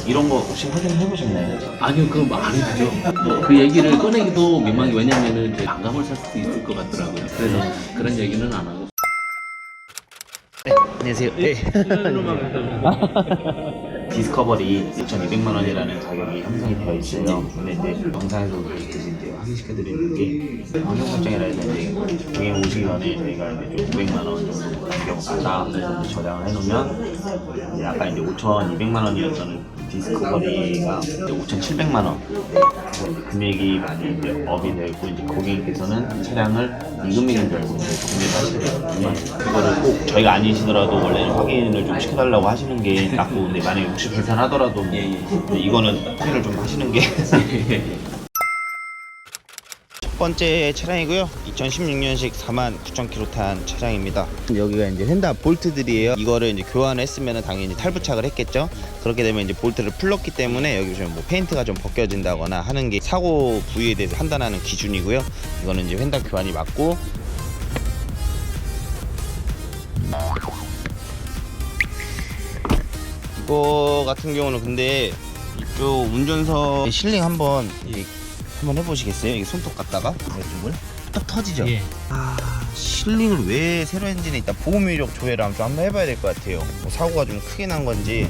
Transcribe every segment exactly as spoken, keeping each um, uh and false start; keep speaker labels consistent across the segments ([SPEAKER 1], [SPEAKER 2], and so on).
[SPEAKER 1] 이런 거 혹시 확인해 보셨나요?
[SPEAKER 2] 아니요, 그건 뭐 안 해주죠. 그 얘기를 꺼내기도 민망해. 왜냐면은 이제 반감을 살 수도 있을 것 같더라고요. 그래서 그런 얘기는 안 하고.
[SPEAKER 1] 안녕하세요. 네. 디스커버리 이천이백만 원이라는 가격이 형성이 되어 있어요. 근데 이제 영상에서 이제 확인시켜드리는 게 환경 설정이라 해서 이제 고객 오시기 전에 저희가 이제 좀 오백만 원 정도 가격마다 그래서 이제 저장을 해놓으면 이제 아까 이제 오천이백만 원이었던 디스커버리가 이제 오천칠백만 원 네, 금액이 많이 이제 업이 되어 있고 이제 고객님께서는 차량을 이 금액인 줄 알고 이제 구매를 하시거든요. 그거를 꼭 저희가 아니시더라도 원래는 확인을 좀 시켜달라고 하시는 게 낫고 근데 만약에 혹시 불편하더라도 예, 예. 이거는 확인을 좀 하시는 게 첫 번째 차량이고요. 이천십육 년식 사만 구천 킬로미터 탄 차량입니다. 여기가 이제 휀다 볼트들이에요. 이거를 이제 교환했으면 당연히 탈부착을 했겠죠. 그렇게 되면 이제 볼트를 풀렀기 때문에 여기 보시면 뭐 페인트가 좀 벗겨진다거나 하는 게 사고 부위에 대해서 판단하는 기준이고요. 이거는 이제 휀다 교환이 맞고 이거 같은 경우는 근데 이쪽 운전석 실링 한번 예. 한번 해보시겠어요? 이게 손톱 갖다가 이쪽을 딱 터지죠? 예. 아 실링을 왜 세로 엔진에 있다 보험 이력 조회를 좀 한번 해봐야 될 것 같아요. 뭐 사고가 좀 크게 난 건지.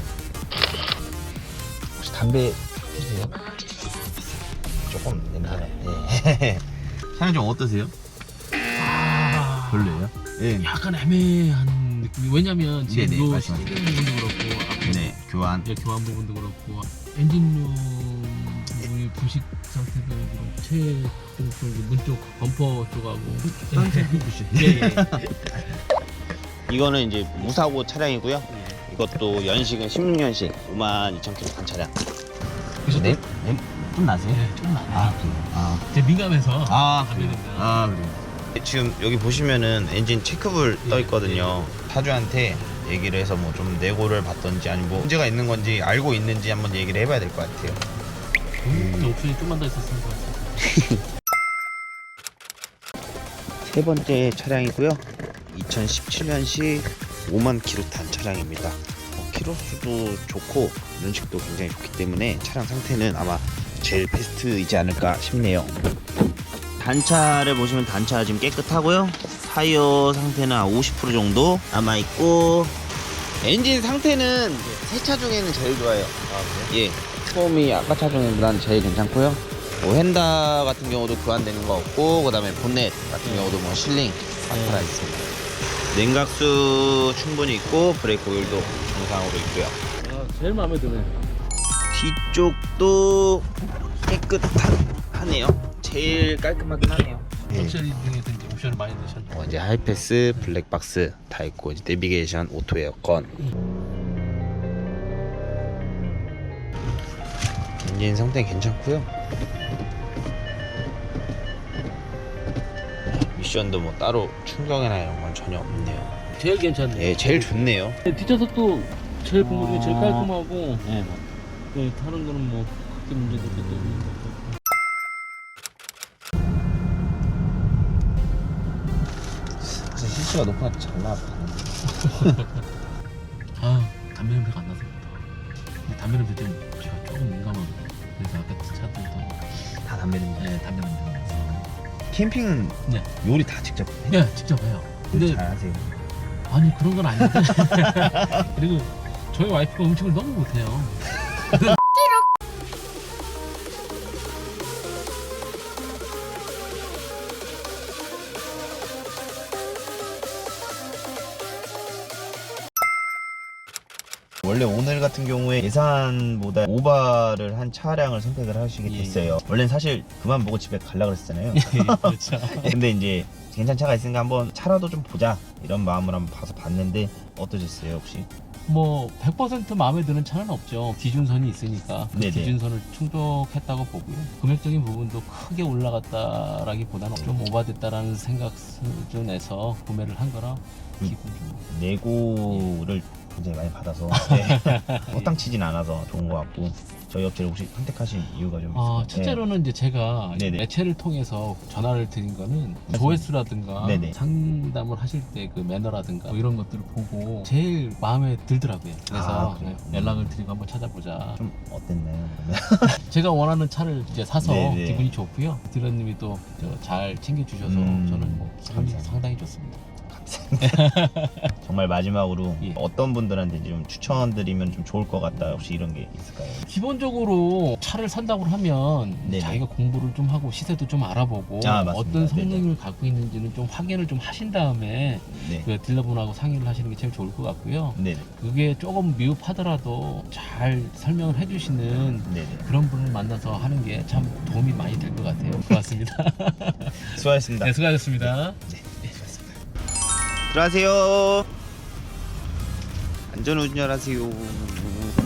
[SPEAKER 1] 혹시 담배 피세요? 조금 냄새나. 예. 차량 좀 어떠세요?
[SPEAKER 2] 아,
[SPEAKER 1] 별로예요? 예.
[SPEAKER 2] 약간 애매한 느낌이. 왜냐면 지금
[SPEAKER 1] 네네,
[SPEAKER 2] 요
[SPEAKER 1] 말씀하세요.
[SPEAKER 2] 실링 부분도 그렇고 앞에
[SPEAKER 1] 네 교환.
[SPEAKER 2] 예, 교환 부분도 그렇고 엔진룸 부분이 부식 상태도 그렇고 최쪽 쪽 문쪽 범퍼 쪽하고 예, 예, 예.
[SPEAKER 1] 이거는 이제 무사고 차량이고요.
[SPEAKER 2] 예.
[SPEAKER 1] 이것도 연식은 십육 년식 오만 이천 킬로미터 탄 차량.
[SPEAKER 2] 그래서
[SPEAKER 1] 네? 네? 좀 나세요?
[SPEAKER 2] 예, 좀 많아요.
[SPEAKER 1] 아, 그래요? 아,
[SPEAKER 2] 제 민감해서
[SPEAKER 1] 아,
[SPEAKER 2] 안
[SPEAKER 1] 그래요?
[SPEAKER 2] 되는데.
[SPEAKER 1] 아, 그래요? 지금 여기 보시면은 엔진 체크불 떠 있거든요. 사주한테 얘기를 해서 뭐 좀 내고를 받던지 아니면 뭐 문제가 있는 건지 알고 있는지 한번 얘기를 해봐야 될 것 같아요.
[SPEAKER 2] 음, 옵션이 좀만 더 있었을 것 같아요.
[SPEAKER 1] 세 번째 차량이고요. 이천십칠 년식 오만 킬로미터 탄 차량입니다. 어, 키로수도 좋고 연식도 굉장히 좋기 때문에 차량 상태는 아마 제일 베스트이지 않을까 싶네요. 단차를 보시면 단차 지금 깨끗하고요. 타이어 상태는 한 오십 퍼센트 정도 남아있고 엔진 상태는 새 차 중에는 제일 좋아요. 아, 그래요? 예. 처음이 아까 차 중에보다는 제일 괜찮고요. 뭐 휀다 같은 경우도 교환되는 거 없고 그 다음에 본넷 같은
[SPEAKER 2] 네.
[SPEAKER 1] 경우도 뭐 실링 다 달아 있습니다. 냉각수 충분히 있고 브레이크 오일도 정상으로 있고요.
[SPEAKER 2] 아, 제일 마음에 드네.
[SPEAKER 1] 뒤쪽도 깨끗하네요. 제일 깔끔하긴 하네요.
[SPEAKER 2] 럭셔리 중에서 이제 옵션을 많이 넣으셨네.
[SPEAKER 1] 어, 이제 하이패스, 블랙박스 다 있고 이제 내비게이션, 오토 에어컨. 엔진 상태 괜찮고요. 미션도 뭐 따로 충격이나 이런 건 전혀 없네요.
[SPEAKER 2] 제일 괜찮네.
[SPEAKER 1] 예, 제일 좋네요.
[SPEAKER 2] 뒷좌석도 제일 본거 중에 제일
[SPEAKER 1] 아.
[SPEAKER 2] 깔끔하고
[SPEAKER 1] 네,
[SPEAKER 2] 네, 다른 거는 뭐 크게 문제도 없기 때문에.
[SPEAKER 1] 사실 실수가 높아 잘 나왔다.
[SPEAKER 2] 아, 담배 냄새가 안 나서 그렇다. 근데 담배 냄새 좀 제가 조금 민감하거든요. 그래서 아까 차들도
[SPEAKER 1] 다 담배 냄새.
[SPEAKER 2] 네, 담배 냄새가 나서.
[SPEAKER 1] 캠핑은
[SPEAKER 2] 네,
[SPEAKER 1] 요리 다 직접 해요?
[SPEAKER 2] 네, 직접 해요. 근데
[SPEAKER 1] 잘 하세요.
[SPEAKER 2] 아니 그런 건 아닌데. 그리고 저희 와이프가 음식을 너무 못해요.
[SPEAKER 1] 원래 오늘 같은 경우에 예산보다 오버를 한 차량을 선택을 하시게
[SPEAKER 2] 예,
[SPEAKER 1] 됐어요. 원래는 사실 그만 보고 집에 가려고 그랬잖아요.
[SPEAKER 2] 그렇죠.
[SPEAKER 1] 근데 이제 괜찮은 차가 있으니까 한번 차라도 좀 보자 이런 마음으로 한번 봐서 봤는데 어떠셨어요 혹시?
[SPEAKER 2] 뭐 백 퍼센트 마음에 드는 차는 없죠. 기준선이 있으니까 그
[SPEAKER 1] 네네.
[SPEAKER 2] 기준선을 충족했다고 보고요. 금액적인 부분도 크게 올라갔다라기보다는 좀 오버됐다라는 생각 수준에서 구매를 한 거라
[SPEAKER 1] 음.
[SPEAKER 2] 기분 좀
[SPEAKER 1] 내고를 굉장히 많이 받아서 네. 허탕치진 않아서 좋은 것 같고 저희 업체를 혹시 선택하신 이유가 좀
[SPEAKER 2] 아,
[SPEAKER 1] 있을까요?
[SPEAKER 2] 첫째로는 이제 제가
[SPEAKER 1] 네네.
[SPEAKER 2] 매체를 통해서 전화를 드린 거는 조회수라든가
[SPEAKER 1] 네네.
[SPEAKER 2] 상담을 하실 때 그 매너라든가 뭐 이런 것들을 보고 제일 마음에 들더라고요. 그래서
[SPEAKER 1] 아, 그래요?
[SPEAKER 2] 네, 연락을 드리고 한번 찾아보자.
[SPEAKER 1] 좀 어땠나요? 그러면?
[SPEAKER 2] 제가 원하는 차를 이제 사서
[SPEAKER 1] 네네.
[SPEAKER 2] 기분이 좋고요. 딜러님이 또 잘 챙겨주셔서
[SPEAKER 1] 음,
[SPEAKER 2] 저는 뭐 기분이
[SPEAKER 1] 감사합니다.
[SPEAKER 2] 상당히 좋습니다.
[SPEAKER 1] 정말 마지막으로
[SPEAKER 2] 예.
[SPEAKER 1] 어떤 분들한테 좀 추천드리면 좀 좋을 것 같다 혹시 이런 게 있을까요?
[SPEAKER 2] 기본적으로 차를 산다고 하면
[SPEAKER 1] 네네.
[SPEAKER 2] 자기가 공부를 좀 하고 시세도 좀 알아보고
[SPEAKER 1] 아, 맞습니다.
[SPEAKER 2] 어떤 성능을
[SPEAKER 1] 네네.
[SPEAKER 2] 갖고 있는지는 좀 확인을 좀 하신 다음에
[SPEAKER 1] 네.
[SPEAKER 2] 그 딜러분하고 상의를 하시는 게 제일 좋을 것 같고요.
[SPEAKER 1] 네네.
[SPEAKER 2] 그게 조금 미흡하더라도 잘 설명을 해주시는
[SPEAKER 1] 네네.
[SPEAKER 2] 그런 분을 만나서 하는 게 참 도움이 많이 될 것 같아요. 고맙습니다.
[SPEAKER 1] 수고하셨습니다.
[SPEAKER 2] 네, 수고하셨습니다.
[SPEAKER 1] 네, 네, 수고하셨습니다. 들어가세요. 안전 운전하세요.